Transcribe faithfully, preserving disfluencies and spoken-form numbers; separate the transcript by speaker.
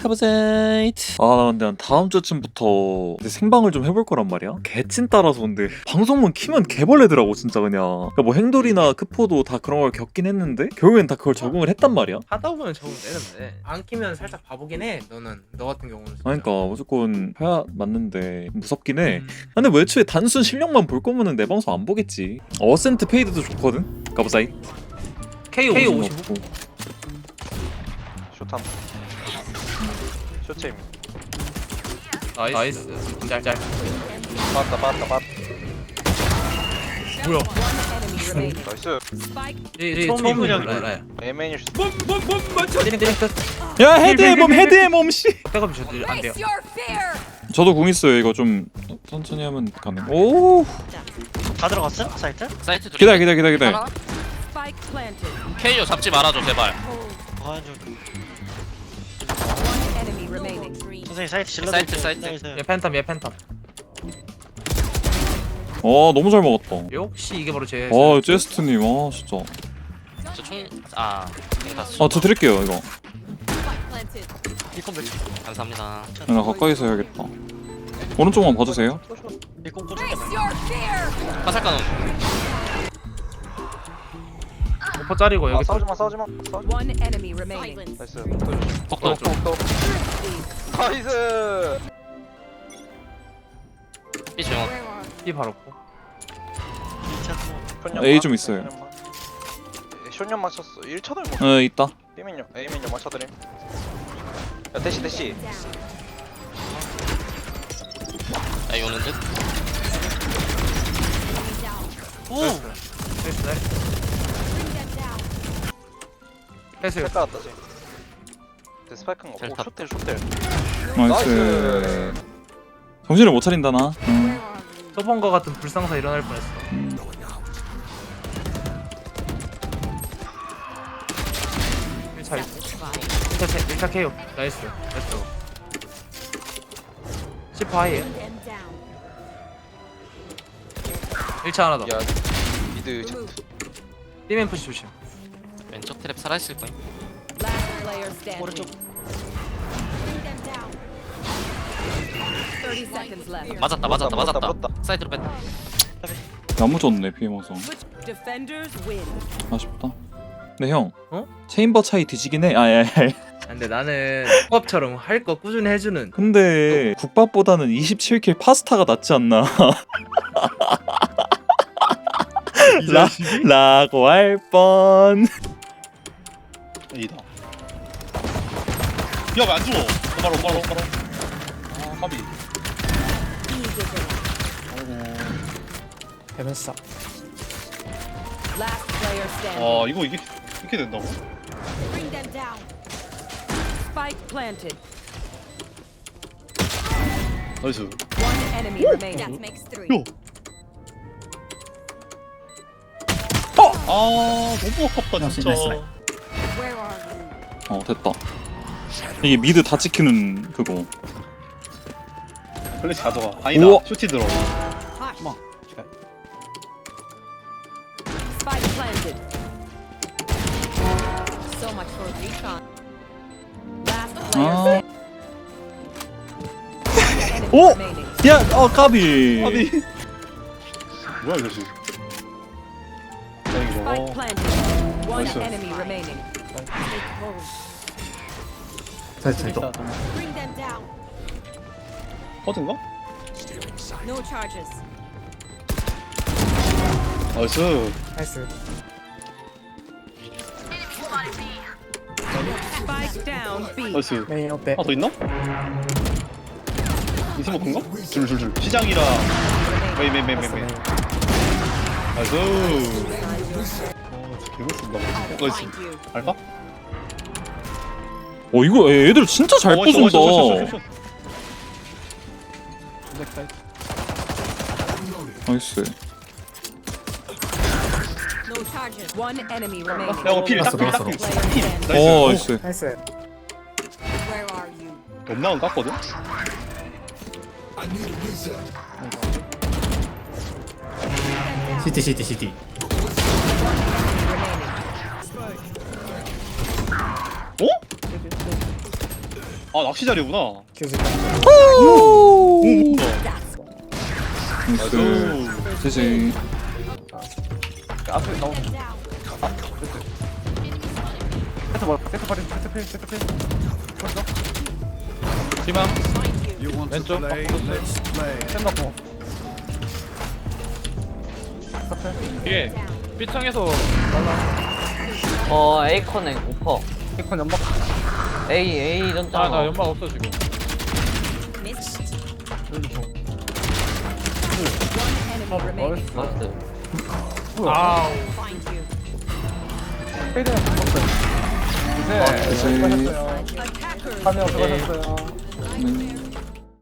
Speaker 1: 카보사이트. 아 근데 난 다음 주쯤부터 이제 생방을 좀 해볼 거란 말이야. 개찐 따라서 근데 방송문 키면 개벌레더라고 진짜 그냥. 그러니까 뭐 행돌이나 크포도 다 그런 걸 겪긴 했는데 결국엔 다 그걸 적응을 했단 말이야.
Speaker 2: 하다 보면 적응 되는데 안 끼면 살짝 바보긴 해. 너는 너 같은 경우는 진짜.
Speaker 1: 그러니까 무조건 해야 맞는데 무섭긴 해.
Speaker 2: 음.
Speaker 1: 근데 뭐 애초에 단순 실력만 볼 거면은 내 방송 안 보겠지. 어센트 페이드도 좋거든. 가보사이.
Speaker 2: 케이 오십오.
Speaker 3: 쇼탐 쇼체임
Speaker 2: 나이스. 짤짤.
Speaker 3: 빠았다 빠았다 빠았다
Speaker 2: 뭐야?
Speaker 3: 나이스
Speaker 2: 이 처음 그냥
Speaker 3: 에이맨일 수도
Speaker 2: 때링 때링 끝.
Speaker 1: 야 헤드의 몸 헤드의 몸 씨.
Speaker 2: 백업이 저도 안 돼요.
Speaker 1: 저도 궁 있어요. 이거 좀 천천히 하면 가능. 오.
Speaker 4: 다 들어갔어? 사이트?
Speaker 5: 사이트 둘.
Speaker 1: 기다 기다 기다 기다.
Speaker 5: 케이오 잡지 말아줘 제발.
Speaker 4: 아, 저 선생님 사이트 질러.
Speaker 5: 사이트, 사이트.
Speaker 2: 얘 팬텀 얘 팬텀.
Speaker 1: 어 너무 잘 먹었다.
Speaker 2: 역시 이게 바로 제.
Speaker 1: 아 제스트님 아 진짜.
Speaker 5: 저총아
Speaker 1: 아저 드릴게요 이거.
Speaker 4: 리콘 몇 초?
Speaker 5: 감사합니다.
Speaker 1: 나 가까이서 해야겠다. 오른쪽만 봐주세요.
Speaker 4: 리콘 꽂을게.
Speaker 5: 화살가는
Speaker 2: 오퍼 짜리고
Speaker 3: 아
Speaker 2: 여기.
Speaker 3: 싸우지마 싸우지마 싸우지
Speaker 6: One enemy remaining.
Speaker 3: 나이스
Speaker 5: 폭도
Speaker 3: 또 나이스
Speaker 5: 이 조용.
Speaker 2: 이 바로 고.
Speaker 1: A 좀 있어요.
Speaker 3: 쇼년 맞췄어 일 차 들고
Speaker 1: 어 있다.
Speaker 3: B맨요 A맨요 맞춰드림 야 대시 대시
Speaker 5: 나 오는 듯.
Speaker 4: 오!
Speaker 2: 나이스 나이스. 패스.
Speaker 3: 스파이크 왔다 지금 대 스파이크인
Speaker 5: 잘
Speaker 3: 거
Speaker 5: 탔다.
Speaker 3: 오 쇼텔 쇼텔
Speaker 1: 나이스. 정신을 못 차린다 나. 응.
Speaker 2: 소폰과 같은 불상사 일어날 뻔했어.
Speaker 1: 음.
Speaker 2: 일 차 있어. 일 차 일 차 케이오. 나이스. 나이스. 십 하이에. 일 차 하나 더.
Speaker 3: 야 미드 제트
Speaker 2: B맨 푸시 조심.
Speaker 5: 왼쪽 트랩 살아있을 거임.
Speaker 6: Last player standing.
Speaker 4: 오른쪽.
Speaker 6: thirty seconds left.
Speaker 5: 맞았다 맞았다
Speaker 3: 물었다,
Speaker 5: 맞았다.
Speaker 3: 물었다.
Speaker 5: 사이드로 뺐다.
Speaker 1: 너무 좋네 피해모성.
Speaker 6: Defenders win.
Speaker 1: 아쉽다. 근데 형.
Speaker 2: 어?
Speaker 1: 체인버 차이 뒤지긴 해. 아예.
Speaker 2: 근데 나는 국밥처럼 할 거 꾸준히 해주는.
Speaker 1: 근데 국밥보다는 이십칠 킬 파스타가 낫지 않나. 라, 라고 할 뻔.
Speaker 7: 이다. 야, 왜 안 죽어? 바로, 바로, 바로. 아, 까비.
Speaker 2: 해변싸.
Speaker 6: Last player standing.
Speaker 7: 아, 이거 이게 이렇게 된다고?
Speaker 6: Bring them down. Spike planted.
Speaker 7: 나이스.
Speaker 6: One enemy remaining. That makes three.
Speaker 7: 요. 아, 너무 아깝다 진짜.
Speaker 6: Where are you?
Speaker 1: 어 됐다. 이게 미드 다 찍히는 그거.
Speaker 7: 플래시 가져가. 아니다.
Speaker 1: 우와.
Speaker 7: 쇼티 들어.
Speaker 6: Hush. Spike planted. So much for recon. Last player
Speaker 1: 아.
Speaker 6: standing. One enemy
Speaker 1: 오!
Speaker 6: remaining.
Speaker 1: 야, 어 까비.
Speaker 7: 아니. 뭐야 이거 지금? 야 이거.
Speaker 6: Spike planted. One
Speaker 7: Nice.
Speaker 6: enemy remaining. Take hold.
Speaker 2: 살짝 더.
Speaker 6: Bring them down.
Speaker 7: 허든가?
Speaker 6: No charges.
Speaker 7: 나이스.
Speaker 2: 나이스.
Speaker 6: Spike down B.
Speaker 7: 나이스.
Speaker 2: 메인 어때?
Speaker 7: 하나 더 있나? 이스모크인가? 줄줄줄. 시장이라. 메인 메인 메인 메인 메인. 나이스. 어, 진짜 개멋있다. 나이스.
Speaker 6: Find you.
Speaker 7: 알까?
Speaker 1: 어 이거 애들 진짜 잘
Speaker 7: 어, 멋있어, 멋있어, 멋있어,
Speaker 1: 부순다.
Speaker 7: 멋있어.
Speaker 1: 나이스.
Speaker 6: No charges. One enemy remaining.
Speaker 7: 야, 이거 필, 딱 필, 딱 필.
Speaker 6: Player standing.
Speaker 1: 어
Speaker 7: 나이스.
Speaker 1: 나이스.
Speaker 2: 나이스.
Speaker 6: Where are you?
Speaker 7: 옆나은 깠거든?
Speaker 2: 시티 시티 시티.
Speaker 6: Remaining.
Speaker 7: 어? 아 낚시 자리구나.
Speaker 2: 계속
Speaker 7: 오 뭐야.
Speaker 1: 나이스.
Speaker 7: 나이스.
Speaker 1: 지지.
Speaker 8: 앞에 나오는 아 됐어 세트 뭐 세트 버린 세트 필 세트 필 벌써
Speaker 7: 희망.
Speaker 8: 왼쪽 쌤 넣고
Speaker 2: 뒤에 B창에서
Speaker 9: 어 에이컨에 오퍼
Speaker 8: 이콘 연막
Speaker 9: A A 전자
Speaker 2: 아나 연막 없어 지금
Speaker 6: Missed.
Speaker 8: 어,
Speaker 6: Enemy remaining.
Speaker 9: 나이스
Speaker 2: 아우
Speaker 6: Find you.
Speaker 8: 페이드는 붙었어요 이제
Speaker 1: 아,
Speaker 8: 수고하셨어요
Speaker 6: Attackers.
Speaker 8: 파밍 수고하셨어요
Speaker 1: 음.